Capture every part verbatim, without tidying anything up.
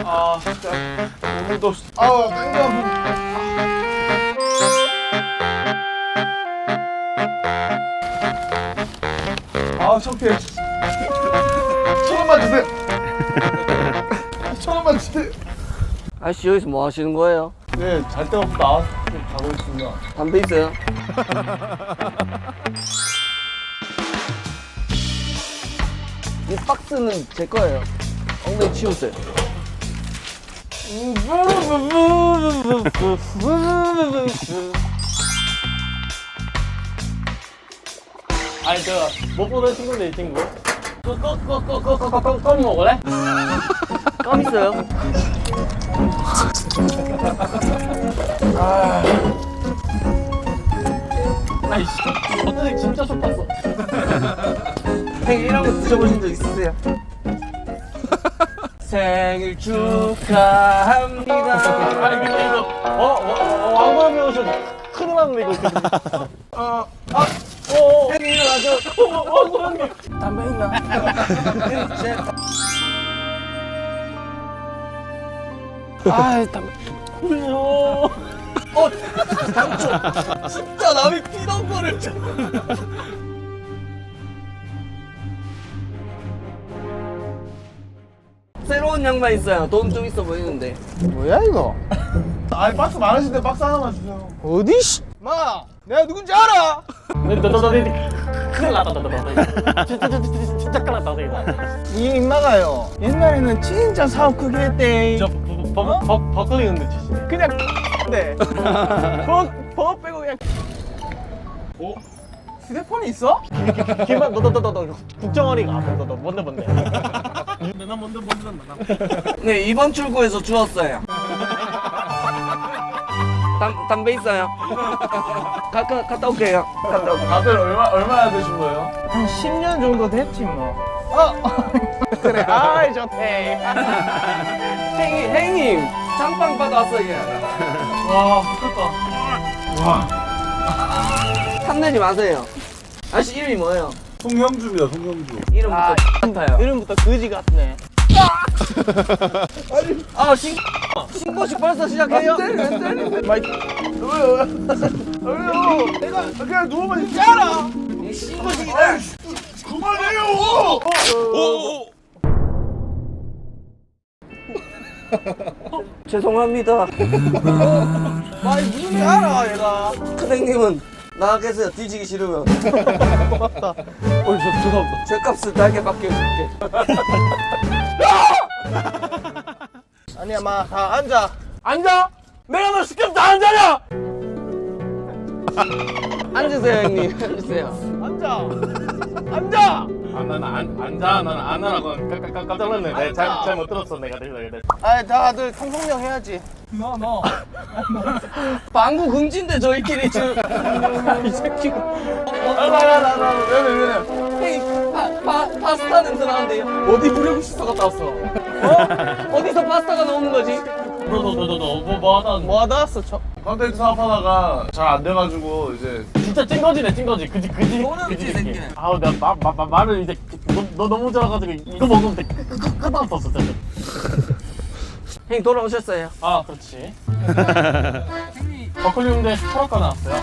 아 진짜 오늘도 아우 땡겨 아 창피해 천 원만 주세요 천 원만 주세요 아저씨 여기서 뭐 하시는 거예요? 네 잘 데 없어 나와서 가고 있습니다 담배 있어요? 이 박스는 제 거예요. 엉덩이 치우세요. 아니 제가 못 보던 친구인데 이 친구 꺼꺼꺼꺼꺼꺼꺼 먹을래? 껌 있어요? 아이씨 어떻게 진짜 속았어. 형 이런 거 드셔보신 적 있으세요? 생일 축하합니다. 아니 근데 이거 어? 어? 왕관 배우셔 큰일 났네 이거. 어, 아! 어어 형님 일어나죠. 왕관님 담배 있나? 제... 아, 담배. 어 어, 당초 진짜 남이 피던 거를. 새로운 양말 있어요. 돈 좀 있어 보이는데. 뭐야 이거 아니 박스 많으신데 박스 하나만 주세요 어디 씨? 마, 내가 누군지 알아? 너너너너 큰일 났다 너너 진짜 진짜 진짜 진짜 큰일 났다 이거. 이 인마가요. 옛날에는 진짜 사업 크게 했대. 저 버, 버, 버클링 흔들 치시네. 그냥 네. 버, 버 빼고 그냥. 오? 휴대폰이 있어? 김만 너너너너 국정원이가 너너 뭔데 뭔데. 내가 뭔데 뭔데 나. 네, 이번 출구에서 주웠어요. 담, 담배 있어요? 가, 가, 갔다 올게요. 갔다 올게요. 다들 얼마, 얼마나 되신 거예요? 한 십 년 정도 됐지 뭐. 어, 그래. 아이 좋대. 행님, 행님! 장빵 받아왔어요. 와 미쳤다. 와 탐내지 마세요. 아저씨 이름이 뭐예요? 송형주입니다 송형주 이름부터 아, 같아요. 이름부터 거지 같네. 아, 신, 신고식 벌써 시작해요? 마이, 왜요 왜요 내가 그냥 누워만 있지 않아 이 신고식이다. 그만해요 죄송합니다. 마이 누군지 알아 얘가. 큰행님은 나가 계세요. 뒤지기 싫으면. 맞다. 어, 저 죄송합니다. 죗값을 달게 바뀌어줄게. 아니야 마, 다 앉아. 앉아. 내가 너 시켰어 다 앉아냐? 앉으세요, 형님. 앉으세요. 앉아. 앉아. 아, 나는 안, 앉아. 나는 안 하라고 깜짝 깜짝 놀랐네. 내가 잘, 잘 못 들었어. 내가 내가 내가. 아이 다들 통성명 해야지. 너 너. 방구 금지인데 저희끼리 지금. 이 새끼. 나나나나 왜왜 왜? 형님 파, 파, 파스타 냄새 나는데요. 어디 부려고 씻어 갔다 왔어? 어? 어디서 파스타가 나오는 거지? 너너너너너 뭐 하다. 뭐 하다 왔어? 저. 컨텐츠 사업하다가 잘 안 돼가지고 이제 진짜 찐거지네 찐거지. 그지 그지 너는 그지 이 새끼. 새끼네. 아우 내가 마, 마, 마, 말을 이제 너, 너 너무 잘해가지고 이거 먹으면 돼. 끝났었어 진짜. 형님 돌아오셨어요. 아 그렇지. 버클리움대 철학과 나왔어요.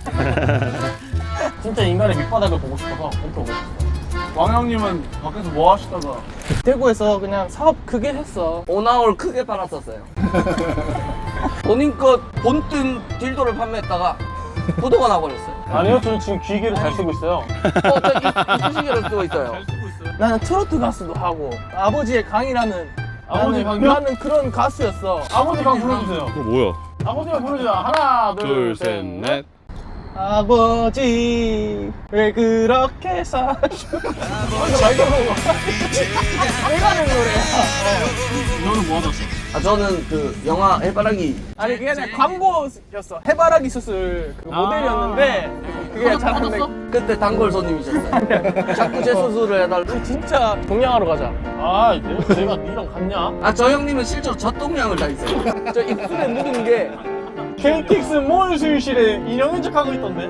진짜 인간의 밑바닥을 보고 싶어서 이렇게 오고 싶어. 왕형님은 밖에서 뭐 하시다가 대구에서 그냥 사업 크게 했어. 오나홀 크게 팔았었어요. 본인 것 본뜬 딜도를 판매했다가 부도가 나버렸어요. 아니요 저는 지금 기계를 잘 쓰고 있어요. 어, 저 이쑤시개를 쓰고 있어요. 나는 트로트 가수도 하고 아버지의 강이라는 아버지 나는, 강요? 나는 그런 가수였어. 아버지 강 불러주세요. 그거 뭐야? 아버지가 불러주세요. 하나 둘, 셋, 넷. 아버지 왜 그렇게 사셔? 내가 하는 노래야. 너는 뭐 하다? 아, 저는 그 영화 해바라기 아니 그게 아니라 광고였어. 해바라기 수술 그 아. 모델이었는데 그게 잘하는데 그때 단골 손님이셨어요. 자꾸 제 수술을 해달라고. 진짜 동양하러 가자. 아 내가, 내가 니랑 같냐? 아, 저 형님은 실제로 젖동량을 다 있어요. 저 입술에 묻은 게 케이틱스 몰 수유실에 인형인 척하고 있던데.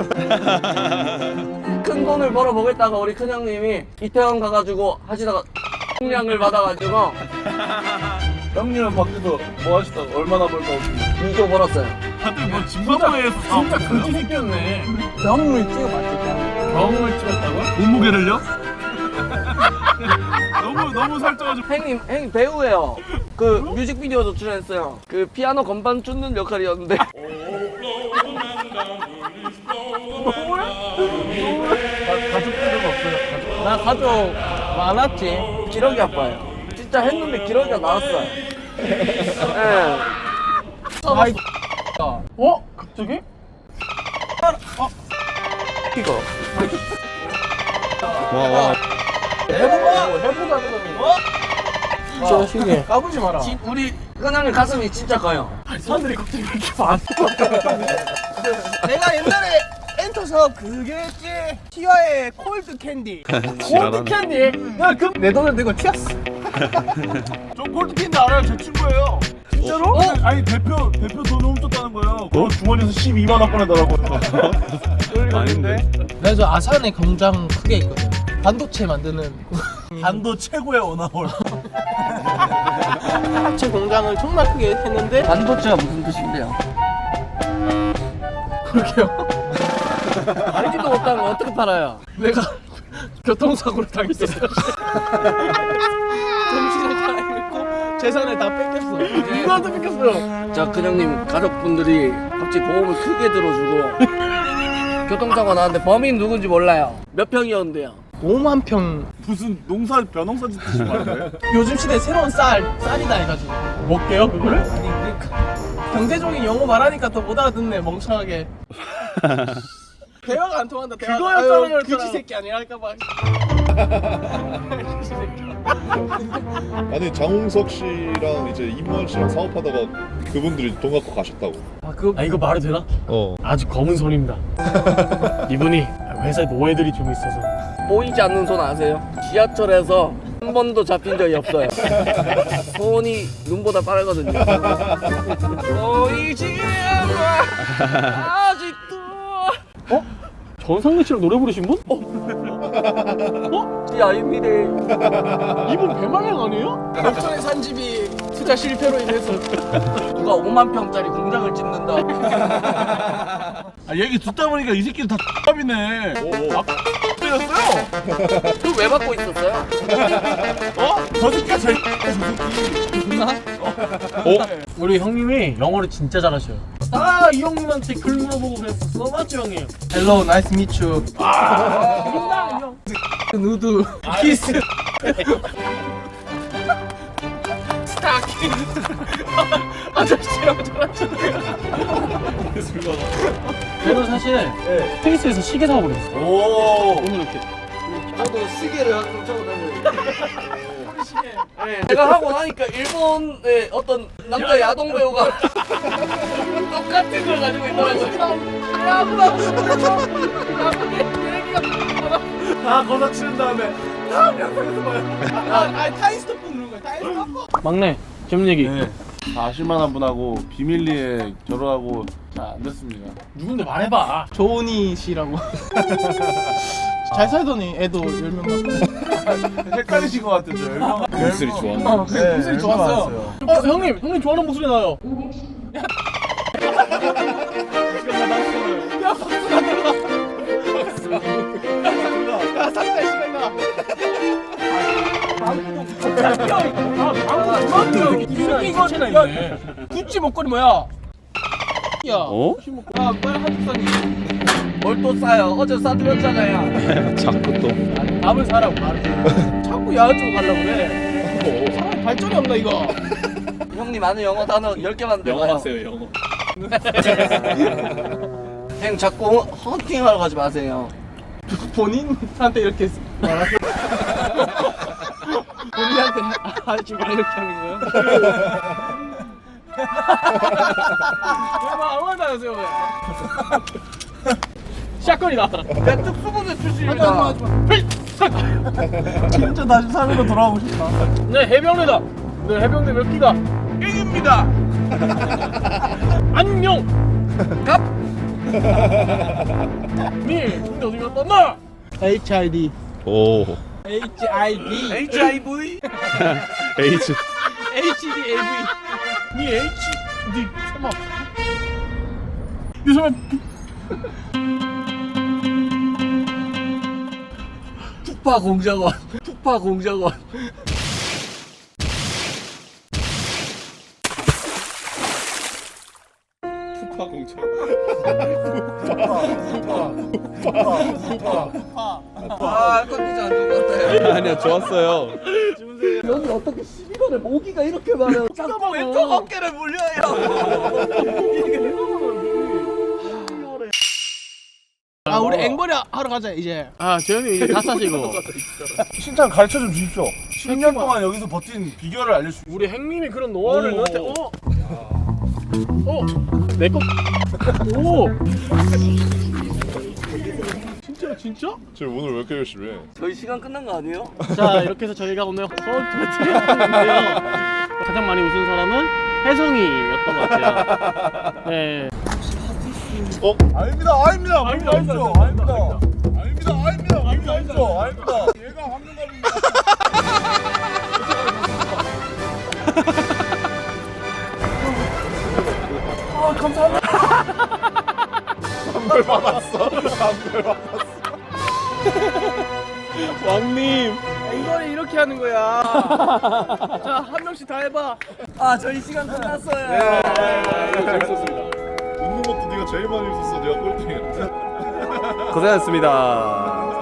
큰 돈을 벌어보겠다가 우리 큰형님이 이태원 가가지고 하시다가 통량을 받아가지고 형님은 밖에서 뭐 하시다가 얼마나 벌다고? 이조 벌었어요. 다들 뭐 짐바브웨에서 진짜 그지 새끼였네. 병물 찍어봤지 병. 병을 찍었다고? 몸무게를요? 너무 너무 살쪄가지고. 형님, 형님 배우예요. 그 뮤직비디오도 출연했어요. 그 피아노 건반 쫓는 역할이었는데. 가족들은 없어요. 나 가족 많았지. 기러기 아빠예요. 진짜 했는데 기러기가 나왔어요. 예. 아이 어? 갑자기? 이거. 해보자. 해보자 그러면. 저 시계 까불지 마라. 지- 우리 끈형님 가슴이 진짜 커요. 사람들이 갑자기 왜 이렇게 많아? 내가 옛날에 엔터서 그게 했지. 티와의 콜드 캔디. 콜드 캔디. 나그내 돈을 내고 튀었어. 저 골드캔디 알아요? 제 친구예요. 진짜로? 아니 대표 대표 돈 훔쳤다는 거예요. 그 주머니에서 십이만 원 꺼내더라고요. 아닌데? 내가 저 아산에 공장 크게 있거든. 반도체 만드는 반도 최고의 오나홀. 합체 공장을 정말 크게 했는데 반도체가 무슨 뜻인데요? 그렇게요. 알지도 못하는 거 어떻게 팔아요? 내가 교통사고를 당했었어. 정신을 다 잃고 재산을 다 뺏겼어. 누구한테 뺏겼어요? 자, 큰형님 가족분들이 갑자기 보험을 크게 들어주고 교통사고 나왔는데 범인 누군지 몰라요. 몇 평이었는데요? 오만 평. 무슨 농사 벼농사 짓듯이 말해. 요즘 시대 새로운 쌀 쌀이다 해가지고 먹게요 그거를? 아니 그러니까 경제적인 용어 말하니까 더 못 알아듣네 멍청하게. 대화가 안 통한다. 대화가. 그거였잖아요, 아유, 그거랑. 그지 새끼 아니랄까봐. 그지 새끼. 아니 장홍석 씨랑 이제 임원 씨랑 사업하다가 그분들이 돈 갖고 가셨다고. 아 그거 아 이거 말해도 되나? 어. 아주 검은 손입니다. 이분이 회사에 노예들이 좀 있어서. 보이지 않는 손 아세요? 지하철에서 한 번도 잡힌 적이 없어요. 손이 눈보다 빠르거든요. 보이지 않아 아직도. 전상민 씨랑 노래 부르신 분? 이 아닙니다. 이분 배말량 아니에요? 덕천에 산 집이 투자 실패로 인해서 누가 오만 평짜리 공장을 짓는다. 아 얘기 듣다 보니까 이 새끼들 다 X밥이네. 오. 아 때렸어요? 그걸 왜 받고 있었어요? 어? 저 새끼가 제일 어? 우리 형님이 영어를 진짜 잘하셔요. 아 이 형님한테 글 물어보고 그랬었어. 맞죠 형님? 헬로 나이스 미추. 아 형. 누드 키스 스타킹. 아저씨랑 잘하시네. 저는 사실 스페이스에서 시계 사와버렸어. 오. 오늘 이렇게. 저도 시계를 항상 차고 다녀요. 네, 제가 하고 나니까 일본의 어떤 남자 야동 배우가 똑같은 걸 가지고 있더라고요. 다 거사 치는 다음에 다음 영상에서 봐요. 아 타임스톱 누른 거야. 타임스톱. 막내 재밌는 얘기. 네. 아실만한 분하고 비밀리에 결혼하고 잘 안 됐습니다. 누군데 말해봐. 조은이 씨라고. 잘 살더니 애도 열 명 낳고. 헷갈리신 것 같아요. 저 열명. 목소리 좋았네. 어, 그 목소리 좋았어요. 어 형님, 형님 좋아하는 목소리 나요. 야 상대 시간 나. 이거 있네. 구찌 목걸이 뭐야? 야. 어? 아 빨리 한국 사니. 뭘 또 싸요? 어제 싸드렸잖아요. 자꾸 또. 밥을 사라고 밥을. 자꾸 야외 쪽 가려고 그래. 사람 발전이 없나 이거. 형님 아는 영어 단어 열 개만 배워요. 영어. 형 자꾸 헌팅하러 가지 마세요. 본인한테 이렇게 말하세요. 본인한테 하지 마 이렇게 하는 거예요? 왜 아무한테 안 하세요 왜? 샷건이다. 내 특수부대 하지 마 출신입니다. 하지 마. 진짜 다시 사회로 돌아오고 싶다. 네 해병대다. 네 해병대 몇 기가? 일입니다. 안녕. 갑. 미 군대 어디 갔다 왔나? 에이치 아이 디. 오. 에이치 아이 디. 에이치 아이 브이. H. 에이치 디 에이 비. 니 H 니 설마 니 설마 푸파 공작원. 푸파 공작원. 푸파 공차. 아, 컨디션 안 좋은 것 같아요. 아니야 좋았어요. 여기 어떻게 십이월에 모기가 이렇게 많아요? 잠깐만 왼쪽 어깨를 물려요. 아 우리 앵벌이 하러 가자 이제. 아 재현이 이제 다 싸시고. 신장 가르쳐 좀 주십시오. 십 년 동안 여기서 버틴 비결을 알려주십시오. 우리 행님이 그런 노하우를 오. 너한테 어? 어? 내 거? 오! 진짜 진짜? 지금 오늘 왜 이렇게 열심히 해? 저희 시간 끝난 거 아니에요? 자 이렇게 해서 저희가 오늘 서울 배틀을 했는데요. 가장 많이 웃은 사람은 혜성이였던 것 같아요. 네. 어? 아닙니다, 아닙니다, 아닙니다, 아닙니다, 아닙니다, 아닙니다, 아닙니다, 아닙니다, 아닙니다, 아닙니다. 얘가 황금갑입니다. 아 감사합니다. 선물 받았어. 선물 받았어. 왕님. 앵벌이 이렇게 하는 거야. 자 한 명씩 다 해봐. 아, 저희 시간 끝났어요. 재밌었습니다. 웃는 것도 네가 제일 많이 웃었어. 네가 꼴등이야. 고생하셨습니다.